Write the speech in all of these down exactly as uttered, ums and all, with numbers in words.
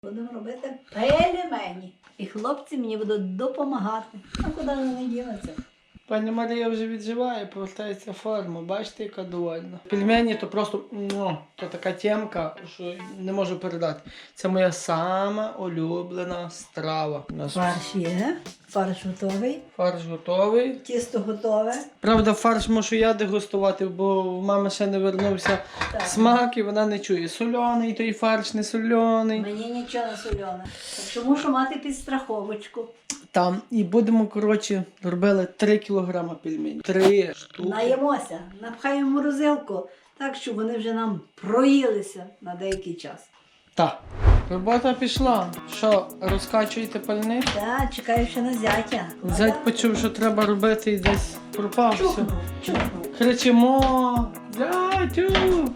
Будемо робити пельмені. І хлопці мені будуть допомагати. А куди вони дінуться? Пані Марія вже відживає, повертається в форму. Бачите, яка довольна. Пельмені то просто, ну, то така темка, що не можу передати. Це моя сама улюблена страва. У нас Фарш є, фарш готовий, фарш готовий. тісто готове. Правда, фарш можу я дегустувати, бо в мами ще не вернувся Так. смак і вона не чує. Сольоний той фарш, не сольоний. Мені нічого не солене. Так що мушу мати підстраховочку. Там. І будемо, коротше, робили три кілограми пельменів. Три штуки. Наїмося, напхаємо в морозилку, так, щоб вони вже нам проїлися на деякий час. Так. Робота пішла. Що, розкачуєте пальник? Так, чекаю ще на зятя. Зять почув, що треба робити і десь пропав. Все. Чухнув, чухнув. Кричимо. Зятю!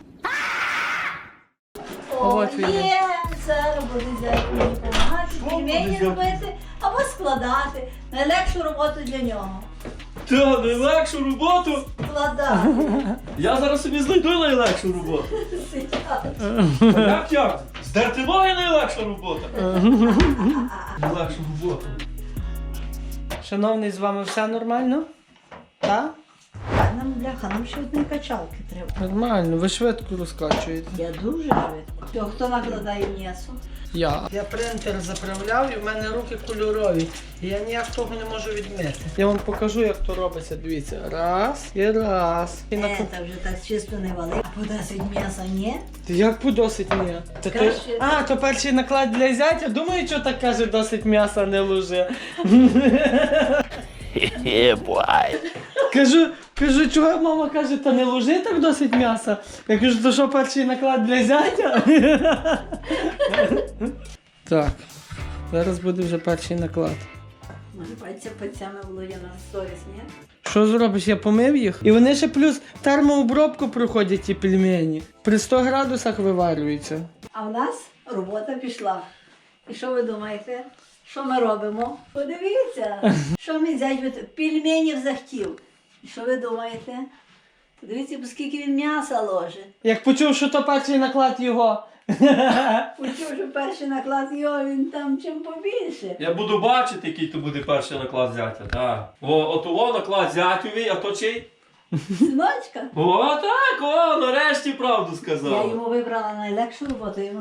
О, От він. є! Зараз буде зять мені допомагати, пельмені робити або складати. Найлегшу роботу для нього. Та, найлегшу роботу? Складати. Я зараз собі знайду найлегшу роботу. А як як? Здерти ноги найлегша робота. Найлегшу роботу. Шановний, з вами все нормально? Так? Так, нам, бляха, нам ще одні качалки треба. Нормально, ви швидко розкачуєте. Я дуже швидко. То хто накладає м'ясо? Я. Я принтер заправляв і в мене руки кольорові. І я ніяк того не можу відмити. Я вам покажу, як то робиться. Дивіться. Раз і раз. І на... Е, та вже так чисто не вали. А подосить м'яса ні? Ти як подосить ні? Та то... Краще- А, то перший наклад для зятя? Думаю, що так каже, досить м'яса не луже. Кажу, кажу, чого мама каже, та не ложи так досить м'яса. Я кажу, то що перший наклад для зятя? Так, зараз буде вже перший наклад. Може, пальця пальцями Володя на сторіс, ні? Що зробиш, я помив їх? І вони ще плюс термообробку проходять ті пельмені. При сто градусах виварюються. А в нас робота пішла. І що ви думаєте? Що ми робимо? Подивіться, що мій зять від пельменів захотів. І що ви думаєте? Подивіться, скільки він м'яса ложить. Як почув, що то перший наклад його. Почув, що перший наклад його, він там чим побільше. Я буду бачити, який то буде перший наклад зятя. Так. О, от о, наклад зятювий, а то чий? Синочка. О, так, о, нарешті правду Я сказав. йому вибрала найлегшу роботу, йому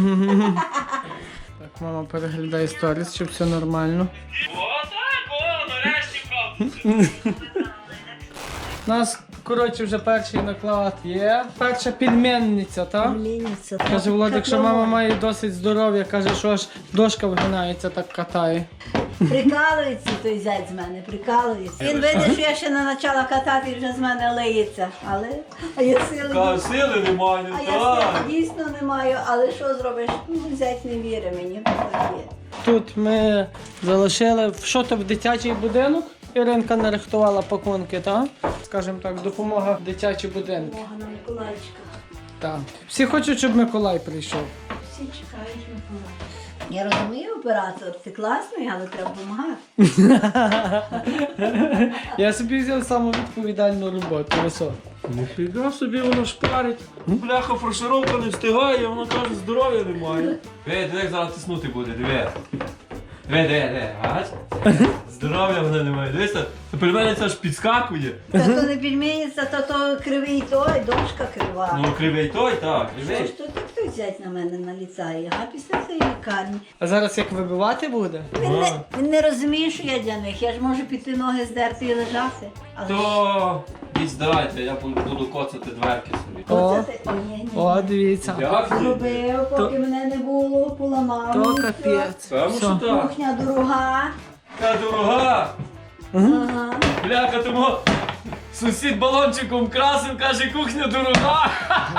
Так, мама переглядає сторіс, щоб все нормально. О, так, о, нарешті правду сказав. У нас, коротше, вже перший наклад є. Перша пельменниця, так? Пельменниця. Каже Владик, що мама має досить здоров'я, каже, що аж дошка вигинається, так катає. Прикалується той зять з мене, прикалується. Він видить, що я ще не почала катати і вже з мене лиється. Але а я сили. Та сили немає, А я так. сили дійсно не маю, але що зробиш? Ну, зять не вірить мені. Так є. Тут ми залишили, що то в дитячий будинок. Іринка нарихтувала пакунки, так? Скажімо так, допомога в дитячі будинки. Мога на Миколаївчика. Так. Всі хочуть, щоб Миколай прийшов. Всі чекають Миколаївчика. Я розумію, оператор, ти класний, але треба допомагати. Я собі взяв саму відповідальну роботу. Ви що? Ніфіга собі воно шпарить. Бляха, фаршировка не встигає, вона каже, здоров'я немає. Диви, диви, як зараз тиснути буде, диви. Диви, диви, диви, бач? Здоров'я вона немає. Дивися, то пельмені це аж підскакує. Та то не пельменниця, то то кривий той, дошка крива. Ну, кривий той, так, Що кривий. ж то так хтось зять на мене наліцає, а після цієї лікарні. А зараз як вибивати буде? Він не, він не розуміє, що я для них. Я ж можу піти ноги здерти і лежати. Але То їдь здавайте, я буду коцати дверки собі. О, оце ти- ні, ні, ні. О, дивіться. Як ти? Зробив, поки мене не було, поламав. То мені все. капець. Певно, Все. що так. Кухня дорога. Та дорога. Ага. Бляха, тому сусід балончиком красив, каже, кухня дорога.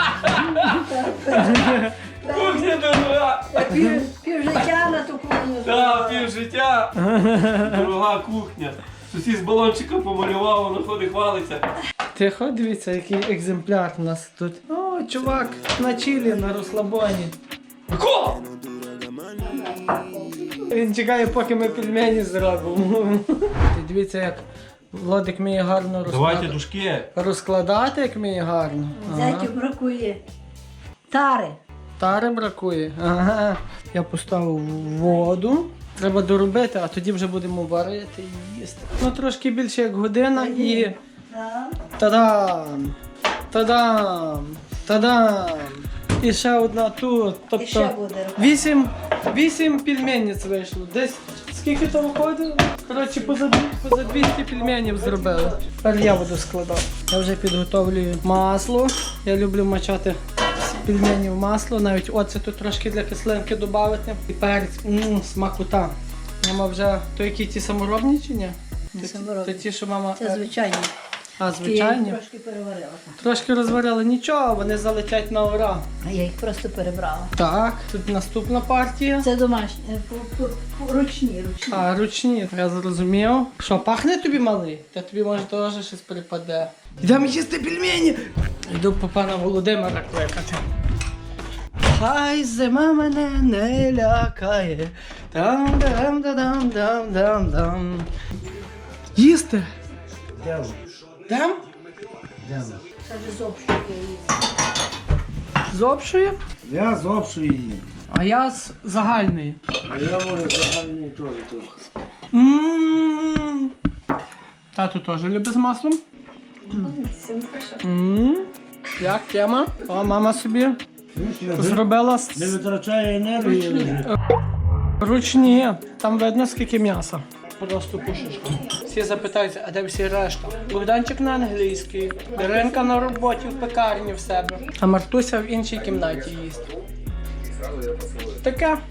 Кухня дорога. Я пів, пів життя на ту кухню. Та, пів життя. Дорога кухня. Сусід з балончиком помалював, воно ходить, хвалиться. Тихо, дивіться, який екземпляр у нас тут. О, чувак, на чилі, на розслабоні. Ко! Він чекає, поки ми пельмені зробимо. Ти дивіться, як Владик вміє гарно Давайте розкладати. дужки. Розкладати, як вміє гарно. Ага. Зятю бракує. Тари. Тари бракує. Ага. Я поставив воду. Треба доробити, а тоді вже будемо варити і їсти. Ну трошки більше як година і. Да. Та-дам! Та-дам! Та-дам! І ще одна тут. І ще Тобто буде рука. вісім, вісім пельменниць вийшло. Десь скільки то виходить? Коротше, поза, дві- поза двісті пельменів зробили. Тепер я буду складати. Я вже підготовлюю масло. Я люблю мачати з пельменів масло, навіть оцету трошки для кислинки додати. І перець, ммм, смакота. Мама вже, то які ті саморобні чи ні? Не То- саморобні. То ті, що мама... Це звичайно. А, Я їх звичайні? трошки переварила. Трошки розварили, нічого, вони залетять на ура. А я їх просто перебрала. Так, тут наступна партія. Це домашні, е, по- по- по- ручні, ручні. А, ручні, я зрозумів. Що, пахне тобі малий? Та тобі може теж щось припаде. Йдемо їсти пельмені! Йду по пана Володимира кликати. Хай зима мене не лякає. Там дам дам дам дам дам. Їсти? Йдемо. Дам? Йдемо. Це вже з общої їсти. З общої? Я з общої їм. А я з загальної. А я можу загальний теж трохи. Ммм. Тату теж любить з маслом. Ммм. Як тема? О, мама собі зробила з- Не витрачає енергії. лежить. ручні. Там видно скільки м'яса. Просто пушечка. Всі запитаються, а де всі решта? Богданчик на англійській, Даринка на роботі в пекарні в себе, а Мартуся в іншій кімнаті їсть. Таке.